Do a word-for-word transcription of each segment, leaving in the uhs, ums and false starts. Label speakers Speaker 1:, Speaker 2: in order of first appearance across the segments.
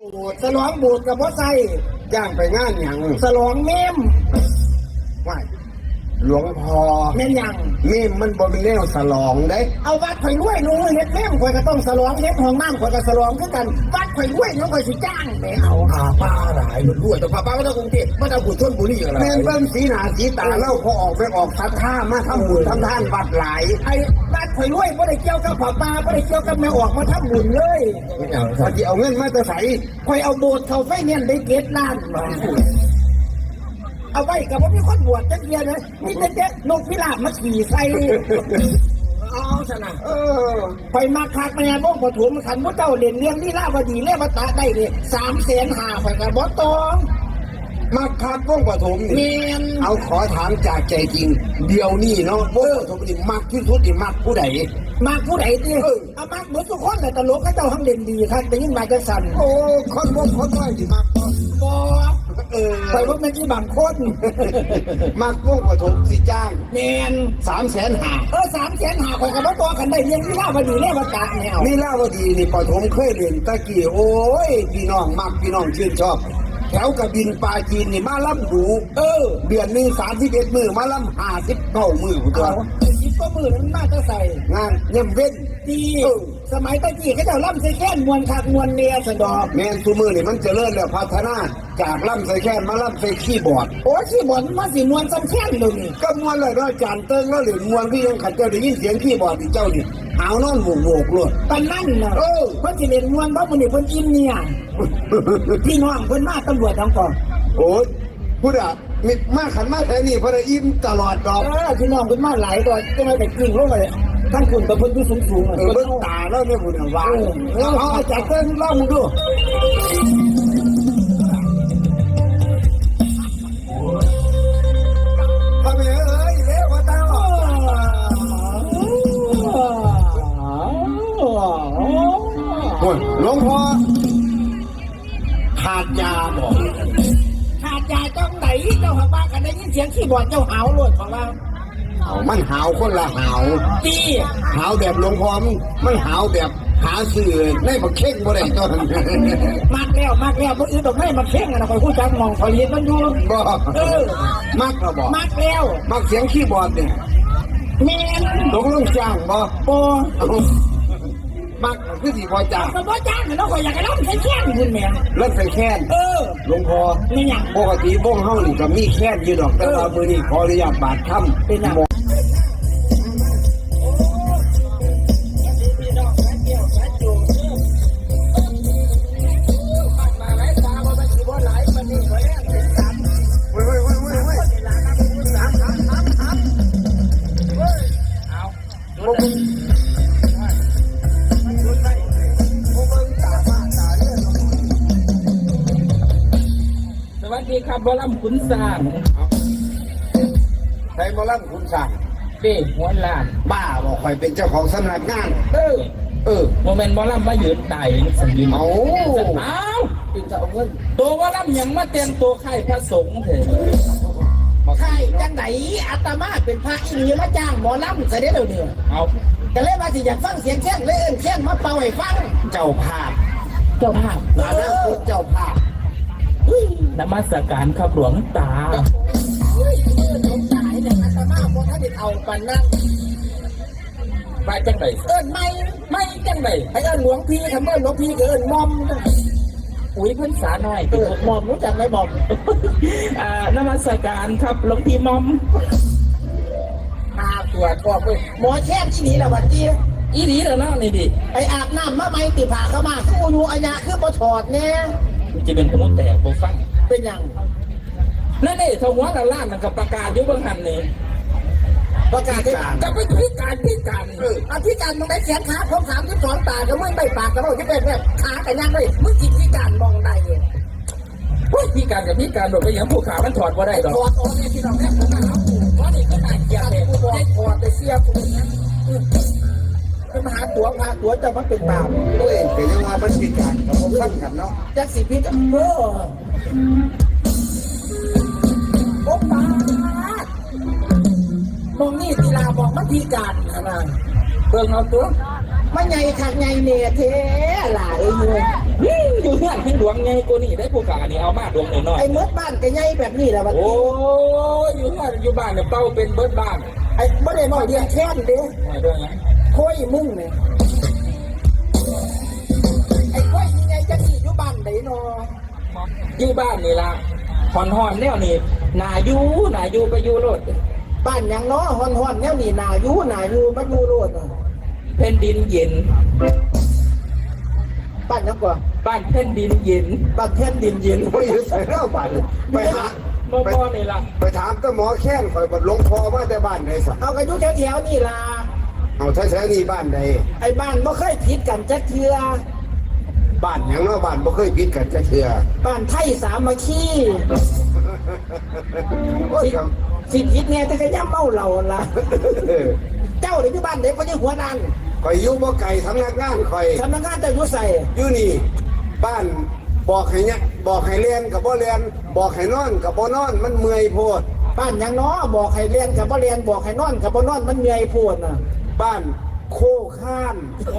Speaker 1: สลองบูดกับพ่อไส้
Speaker 2: ย่างไปงานอย่าง
Speaker 1: สลองเมม
Speaker 2: ว่าหลวงพ่อ
Speaker 1: เมมยัง
Speaker 2: เมมมันบ่มีแนวสลองได้
Speaker 1: เอาวัดข่อยรวยหนูเฮ็ดเมมข่อยก็ต้องสลองเฮ็ดห้องน้ำข่อยก็สลองคือกันวัดข่อยรวยหนูข่อยสิจ้างแม่เอา
Speaker 2: พาป้าหลายมันรวยแต่พาป้าไม่ต้องกรุงเทพไม่ต้องบุญชนบุรีอะไรแม่เบิ่งสีหน้าสีตาเล่าพอออกไปออกทัดท่ามาทำบุญทำทานวัดหลาย
Speaker 1: ไอ้วัดข่อยรวยบ่ได้เกี่ยวกับพ่อป้าบ่ได้เกี่ยวกับแม่ออกมาทำบุญเลย
Speaker 2: พอจะเอาเงินมาจะใส่
Speaker 1: ข่อยเอาโบสถ์เข้าไฟแนนซ์ได้เจ็ดล้านเอาไว้กับว่ามีคนบวชจักเดียวนะมีแต่เจ๊นกพิราบมาขี่ใส่
Speaker 2: เอาชนะ
Speaker 1: เออไปมาคักแม่บ้องปฐมขันพระเจ้าเด่นเลี้ยงนี่ล่าวดีเล่มาตาได้เลยสามแสนห้าไปกับบอสตอง
Speaker 2: มาคักบ้องปฐม
Speaker 1: นี่
Speaker 2: เอาขอถามจากใจจริงเดี๋ยวนี้เนาะบ้องปฐมนี่มักที่สุดนี่มักผู้ใด
Speaker 1: มักผู้ใดดิเอามักเหมือนทุกคนแต่ตลกเขาเจ้าทั้งเด่นดีท่านแต่ยิ่งมาจะสั่น
Speaker 2: โอ้คนบ้องคนน้อยที่มัก
Speaker 1: บอเออไปว่าเมื่อกี้บางคน
Speaker 2: มักบ้องปฐมสิจ้าง
Speaker 1: แมน
Speaker 2: สามแสนห้า
Speaker 1: เออสามแสนห้าคนกับบอสตองกันได้เลี้ยงนี่ล่าวดีเล่มาตาแนว
Speaker 2: นี่ล่าวดีนี่ปฐมเคยเรียนตะกี้โอ้ยพี่น้องมักพี่น้องชื่นชอบแถวกระบินปลาจีนนี่มาล่ำดู
Speaker 1: เออ
Speaker 2: เดือนหนึ่งสามสิบเอ็ดมือมาล่ำห้าสิบเก้ามือผู้ตัว
Speaker 1: สิบก็มือนั้นน่าจะใส่
Speaker 2: งานเยี่ยมเว้น
Speaker 1: ดีสมัยตะกี้เขาจะล่ำใส่แค่นมวนคักมวนเนียสะดอก
Speaker 2: แมนซูมือนี่มันเจริญแล้วพัฒนาจากล่ำใส่แค่นมาล่ำใส่ขี้บอร์ด
Speaker 1: โอ้ขี้บอร์ดมาสิมวนซ้ำแค่นเลยนี่
Speaker 2: ก็มวนเลยด้วยจานเติ้งแล้วหรือมวนที่ยังขัดเจ้าได้ยินเสียงขี้บอร์ดที่เจ้านี่เอานอนโงกๆเลย
Speaker 1: ปันนั่นนะเออเพิ่นสิเล่นมวนเพราะคนนี้เพิ่นอินเนี่ยพี่น้องเพิ่นมาตำรวจทั้งก่อน
Speaker 2: โอ้ยพูดอ่ะมีมาขันมาแต่นี่พระอิ่มตลอดดอก
Speaker 1: เออพี่น้องเพิ่นมาหลายก่อนจะมาแต่กิ่งลงเลยท่านคุณกับเพิ่นอยู่สูงๆ
Speaker 2: เออเบิ่งตาแล้วเนี่ยพูดอ่ะว่า
Speaker 1: เออเอาจัดเติ้งลองดู
Speaker 2: ทำไมเอ้ยเลี้ยวว่าตาโอ้ยหลวงพ่อขาดยาบอก
Speaker 1: ขาดยาจังไหนเจ้าหาบ้ากันได้ยินเสียงขี้บอดเจ้าหาวเลยของเรา
Speaker 2: เอามันหาวคนละหาว
Speaker 1: ดี
Speaker 2: หาวแบบหลวงพ่อมันหาวแบบหาสื่อในบักเข่งบ่ได้ตอน
Speaker 1: มากแล้วมากแล้วบ่อื่นดอกไม้มาเข่งนะคอยพูดจักมองคอยเห็นมันอยู่
Speaker 2: บ่
Speaker 1: เออ
Speaker 2: มากแล้วบ่
Speaker 1: มากแล้ว
Speaker 2: มากเสียงคีย์บอร์ดเนี่ย
Speaker 1: แม่น
Speaker 2: ตกลงจ้างบ่
Speaker 1: บ่
Speaker 2: มักคือสิบ่จ้าง
Speaker 1: ก็บ่จ้างเนาะข่อยอยากให้ร้องใส่แค้นคุณแม่
Speaker 2: ร้องใส่แค้น
Speaker 1: เออ
Speaker 2: หลวงพ่อ
Speaker 1: นี่หยัง
Speaker 2: ปกติวงเฮานี่ก็มีแค้นอยู่ดอกแต่ว่ามื้อนี้ขออนุญาตบาดค่ำ
Speaker 1: เป็นหยัง
Speaker 3: สวัสดีครับบอลำขุนสร้าง
Speaker 2: ใครบอลำขุนสร้าง
Speaker 3: เป้หัวลาน
Speaker 2: บ้าบอกใครเป็นเจ้าของสำนักงาน
Speaker 3: เออ
Speaker 2: เออ
Speaker 3: โมเมนต์บอลำมายืนตายสัญญา
Speaker 2: เอา
Speaker 3: เอาเป็นเจ้าเงินตัวบอลำยังมาเต็มตัวไข่พระสงฆ์เถอะ
Speaker 1: ไข่จังไหนอาตมาเป็นพระอีหลีมาจ้างหมอลำใส่ได้เดี๋ยวนี้
Speaker 3: เอา
Speaker 1: ก็เลยมาสิอยากฟังเสียงแค้นเล่นแค้นมาเป่าให้ฟัง
Speaker 2: เจ้าภาพ
Speaker 1: เจ้าภาพ
Speaker 2: เออเจ้าภาพ
Speaker 3: นมัสการครับหลวงตา
Speaker 1: เฮ้ยเมื่อหลวงตาเนี่ยอาตมาพอท่านได้เอาปันนั่ง
Speaker 3: ไปจังไหน
Speaker 1: เอิ้นไม่ไม่จังไหนไอ้เอิ้นหลวงพี่คำเอิ้นหลวงพี่ก็เอิ้นมอม
Speaker 3: อุ้ยเพิ่นสาหน่อย
Speaker 1: เออมอมรู้จักไหมมอม
Speaker 3: อ่านมัสการครับหลวงพี่มอม
Speaker 1: พาตัวทอกเลยหมอแช่ที่นี่แหละวันที่
Speaker 3: อีดีแล้วนะนี่ดิ
Speaker 1: ไออาบน้ำมาไม่ติผ่าเข้ามาคืออูอัญญาคือปถอดเนี่ย
Speaker 3: จะเป็นขมุนแตกโบฟัง
Speaker 1: เป็นยัง
Speaker 3: นั่นนี่ทว่าละล่านมันกับประกาศยุบบังหันนี่
Speaker 1: ประกาศที่
Speaker 3: จะไปพิการพิการ
Speaker 1: อธิการมึงได้แขนขาพร้อมสามที่สองตาก็ไม่ไม่ปากก็ไม่ที่เป็นแบบขาแต่ยังเลยมึงจิตพิการมองได้เอง
Speaker 3: พิการกับพิการโดดไปอย่างผู้ขามันถอดว่าได้หรอ
Speaker 1: ถอดออกเนี่ยที่เราแค่ผมนะครับเพราะนี่ก็น่าเกลียดเลยผู้บอกให้ถอดไปเสียกูนะเป็นมหาตัวพาตัวจะมันเป็นบาป
Speaker 2: ตัวเองเป็นยังว่ามันพิการกับผมฟังกันเนาะ
Speaker 1: จักสิพิษเออโอ้ปามองนี่ทีลาบอกมันพิการขนาด
Speaker 3: เบิ่งเอาตัว
Speaker 1: มันใหญ่ขัดใหญ่เนี่ยเท่หล่ะไอ้เหี้ย
Speaker 3: อยู่เฮือนให้ดวงไงกูนี่ได้ผู้ขานี่เอามาดวงน้อย
Speaker 1: ไอ้เมื่อบ้านก็ใหญ่แบบนี้แหละบัด
Speaker 3: ๆโอ้
Speaker 1: นี้
Speaker 3: ยอยู่เฮือนอยู่บ้านเนี่ยเป้าเป็นเบิดบ้าน
Speaker 1: ไอ้บ่ได้น้อยเดียวแค่นเด้
Speaker 3: ไม่ด้วยไง
Speaker 1: ค่อยมึงเนี่ยไอ้ค่อยยังไงจะขี่อยู่บ้านไหนเนาะ
Speaker 3: อยู่บ้านนี่ล่ะหอนหอนแนวนี่นาอยู่นาอยู่ไปอยู่รถ
Speaker 1: บ้านหยังเนาะฮ้อนๆแนวนี้น่าอยู่น่าอยู่บ่อยู่โลดอะ
Speaker 3: แผ่นดินเย็น
Speaker 1: บ้านหยังกว่า
Speaker 3: บ้านแผ่นดินเย็น
Speaker 1: บ้านแผ่นดินเย็น
Speaker 2: ไม่อยู่ใส่เล่าบ้านไปหา
Speaker 3: บ่พอนี่ล่ะ
Speaker 2: ไปถามก็หมอแค้นคอยบัดหลวงพ่อมาแต่บ้านไหนสัก
Speaker 1: เอากันอยู่แถวๆนี่ล่ะ
Speaker 2: เอาแท้ๆนี่บ้านใด
Speaker 1: ไอ้บ้านบ่เคยผิดกันจักเทื่อ
Speaker 2: บ้านหยังเนาะบ้านบ่เคยผิดกันจะเชื่อ
Speaker 1: บ้านไทยสามัคคี
Speaker 2: โอ้ยครับ
Speaker 1: สิผิดแน่แต่ก็ย่ำเมาเหล้าล่ะ
Speaker 2: เออ
Speaker 1: เจ้าหรือที่บ้านเด็กก็ยังหัวดัน
Speaker 2: คอยอยู่บ่ไก่ทำงานงานคอย
Speaker 1: สำนักงานเจ้าอยู่ใส่
Speaker 2: อยู่นี่ บ้านบอกให้เนี่ยบอกให้เรียนกับบ่เรียนบอกให้นอนกับบ่นอนมันเมื่อยโพด
Speaker 1: บ้านหยังเนาะบอกให้เรียนกับบ่เรียนบอกให้นอนกับบ่นอนมันเหนื่อยโพดน่ะ
Speaker 2: บ้านโคข้าน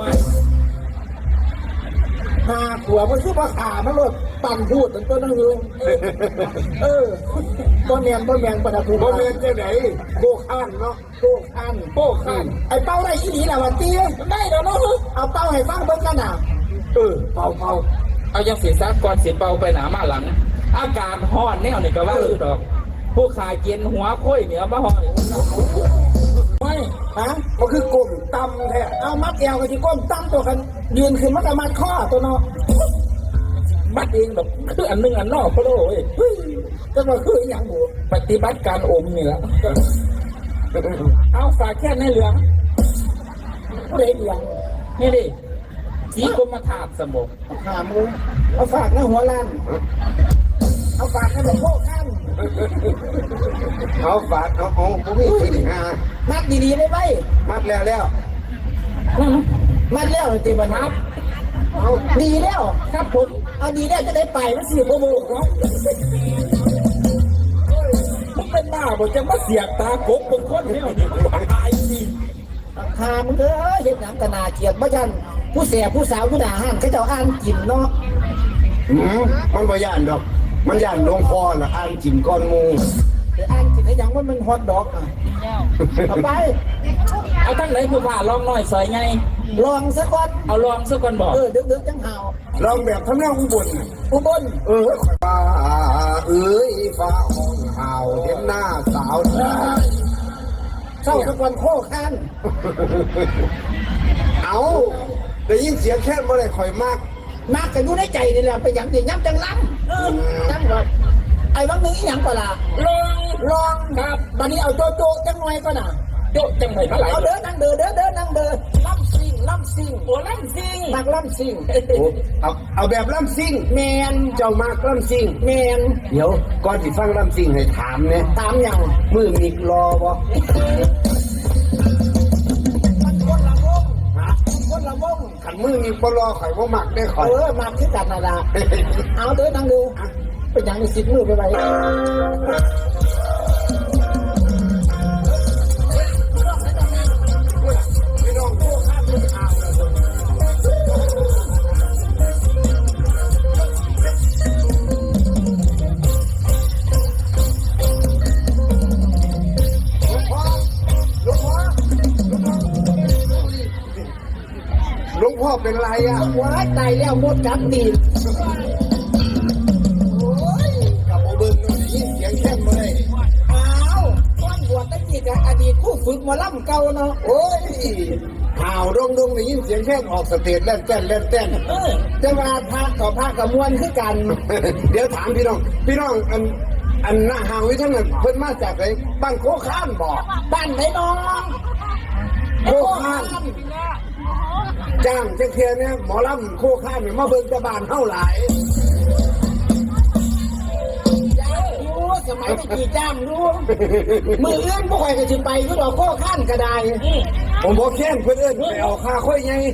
Speaker 1: หาขัวมันคือบ่ขามันโลดปั่นพูดตั้งต้นนั่งอยู่เออบ่แม่นบ่แม่นบ่ได้พูด
Speaker 2: บ่เรียนจังไดโคข้านเนาะ
Speaker 1: โกคัน
Speaker 3: โป้ข้าน
Speaker 1: ไอ้เป้าได้อีหลีน่ะวันตี
Speaker 3: ได้แล้วเนาะ
Speaker 1: เอาเป้าให้ฟังเบิ่งกันน่ะ
Speaker 2: เออเป่าเป่า
Speaker 3: เอายังสีซักก่อนสีเป่าไปหนามาหลัง อากาศฮ้อนแนวนี่ก็ว่าอยู่ดอก ผู้ขายเกียนหัวค่อยเหนียวมาห้อยไม่
Speaker 1: ฮะ
Speaker 2: มันคือกลมตำแท้
Speaker 1: เอามัดแอวกับที่ก้นตั้งตัวกันยืนขึ้นมันก็มัดข้อตัวเนาะ
Speaker 3: มัดเองดอกคืออันหนึงอันนอกพะโล่เว้ย
Speaker 1: เฮ้ยจะมาคืออหย่างบุ
Speaker 3: ปฏิบัติการอมนี่ละเอาฝากแค่ในเหลือง
Speaker 1: เด็กอย่าง
Speaker 3: นี่ดิสีกรมธาตุสมบ
Speaker 1: หามือเอาฝากในหัวล้านเอาฝากในหลวงพ่อข้าง
Speaker 2: เอาฝาดเอาเอาบ่มีสิหา
Speaker 1: มัดดีๆได้ไหม
Speaker 2: มัดแล้วแล้ว
Speaker 1: มัดแล้วตีบันทับเอาดีแล้วครับผมเอาดีแล้วจะได้ไปมันสิบโมงเนาะ
Speaker 3: มันเป็นบ้าบอกจะมาเสียบตากบเป็นคนเนี่ยนี่ตายสิ
Speaker 1: หามึงเด้อเฮ็ดหนังกะนาเกียดบ่ยันผู้เสียผู้สาวผู้ด่าห้านเขาเจ้าอ่านกินเนาะ
Speaker 2: หืมมันบ่ย่านดอก มันย่านหลวงพ่อน่ะอ่านกินก้อนหมู
Speaker 1: แต่อ่านกินให้ยังว่ามันฮอตดอกอ่ะเอาไป
Speaker 3: เอาทั้งไหนผู้ผ่าลองหน่อยสอยไง
Speaker 1: ลองสักก่อน
Speaker 3: เอาลองสักก่อนบอก
Speaker 1: เออดึกๆจังเห่า
Speaker 2: ลองแบบทำแนวอุบลน่ะ
Speaker 1: อุบล
Speaker 2: เออข่อยว่าเอ้ยฟ้าห้องห่าวเห็นหน้าสาวเอ้ย
Speaker 1: เศร้าสักวันโคข้าน
Speaker 2: เอาได้ยินเสียงแค่บ่ได้ข่อยมาก
Speaker 1: มากกันอยู่ในใจนี่แหละไปหยังเดี๋ยวย้ำจังล้ำเออจังแบบไอ้วังนึงอีหยังก็ล่ะ
Speaker 3: ลอง
Speaker 1: ลองครับบัดนี้เอาโจโจจังหน่อยก็น่ะ
Speaker 3: โยกจังไหนเท่าไหร่
Speaker 1: เอาเดินนั่งเดินเดินเดินนั่งเดินล่ำซิงล่ำซิง
Speaker 3: โอ้ลั่นซิง
Speaker 1: นักล่ำซิง
Speaker 2: โอ้เอาเอาแบบลำซิ่ง
Speaker 1: แมน
Speaker 2: เจ้ามากลำซิ่ง
Speaker 1: แมน
Speaker 2: เดี๋ยวก่อนที่ฟังลำซิ่งให้ถามเนี่ย
Speaker 1: ตามอย่าง
Speaker 2: มือมิกรอบ่
Speaker 1: มันคนละวง
Speaker 2: ฮะ
Speaker 1: คนละวง
Speaker 2: ขันมือมิกบ่รอข่อยบ่มักได้ข่อย
Speaker 1: เออมาขึ้นกันน่ะละเอาเดินนั่งดูเป็นอย่างนี้สิบมือไปไป
Speaker 2: พี่น้องโตข้ามเป็นข่าวแล้ว หลวงพ่อเป็นไรอ่ะ
Speaker 1: ว้ายตายแล้วมดกัดตีน
Speaker 2: โอ้ยกับโอเบิ้งนี่ยินเสียงแค่มาเลย
Speaker 1: อ้าวก้อนบวชตั้งกี่กับอดีตผู้ฝึกหมาล่ำเก่าเนาะ
Speaker 2: โอ้ยข่าวดงดงนี่ยินเสียงแค่ออกสเตจเล่นเต้นเล่นเต้น
Speaker 1: เออจะมาพากับพากับมวลคือกัน
Speaker 2: เดี๋ยวถามพี่น้อง พี่น้องอันอันหน้าห่างวิทั้งนั้นเพิ่นมาจากไหนบ้านโคข้านบอก
Speaker 1: บ้านไหนน้อง
Speaker 2: โคข้านจ้างเจ้าเทียเนี่ยหมอลำโคข้านเนี่ยมาเบิ่งแตะบานเท่าหลาย
Speaker 1: จ้างรู้สมัยตะกี้จ้างรู้มือเอื้อนพวกใครก็จะไปก็ดอกโค้ข้านก็ได้
Speaker 2: ผมบอกแค่นเพื่อนเอิ้นไปเอาค่าค่อยไง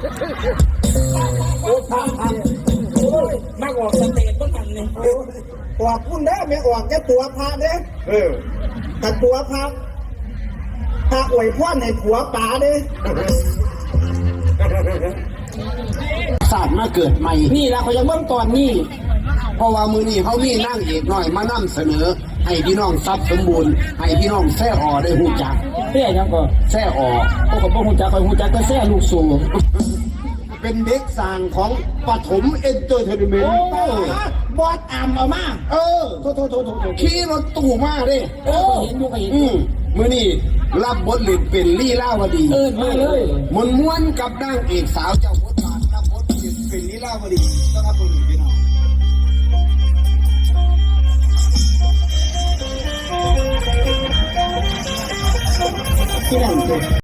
Speaker 1: โอ้ทำทำโอ้ย
Speaker 3: มากออกสเตจพวกมันนี่
Speaker 1: ออกคุณได้ไม่ออกจะตัวพระเด้
Speaker 2: เออ
Speaker 1: แต่ตัวพระพระอวยพรให้ผัวป๋าเด้
Speaker 2: ศาสตร์มาเกิดใหม่
Speaker 1: นี่ละเขายังเบิ่งตอนนี้
Speaker 2: เพราะว่ามือนี้เขามีนั่งเอกหน่อยมานํเสนอ ให้พี่น้องทรัพย์สมบูรณ์ให้พี่น้องแซ่ออได้หูจัก
Speaker 1: เพี่ยังก่อน
Speaker 2: แซ่ออ
Speaker 1: โอ้ก็บ่ฮู้จักคอยฮู้จักแต่แซ่ลูกสูง
Speaker 2: เป็นเด็กสร้างของปฐมเอนเตอร์เทนเมน
Speaker 1: โอ้
Speaker 2: ต์
Speaker 1: บอสอามเอามา
Speaker 2: เออ
Speaker 1: โทษโทษโทษโทษโทษ
Speaker 2: ขี่รถตู้มาเด้
Speaker 1: โอ้เห็นอยู่ก็เห็น
Speaker 2: อืมมือนี้รับบทเล่นเป็นลี่ล่าวดี
Speaker 1: เอิ้นมาเลย
Speaker 2: มวนม้วนกับนางเอกสาวเจ้าบทบาทรับบทเล่นเป็นลี่ล่าวดีนะครับคุณพี่น้อง
Speaker 1: ที่นั่น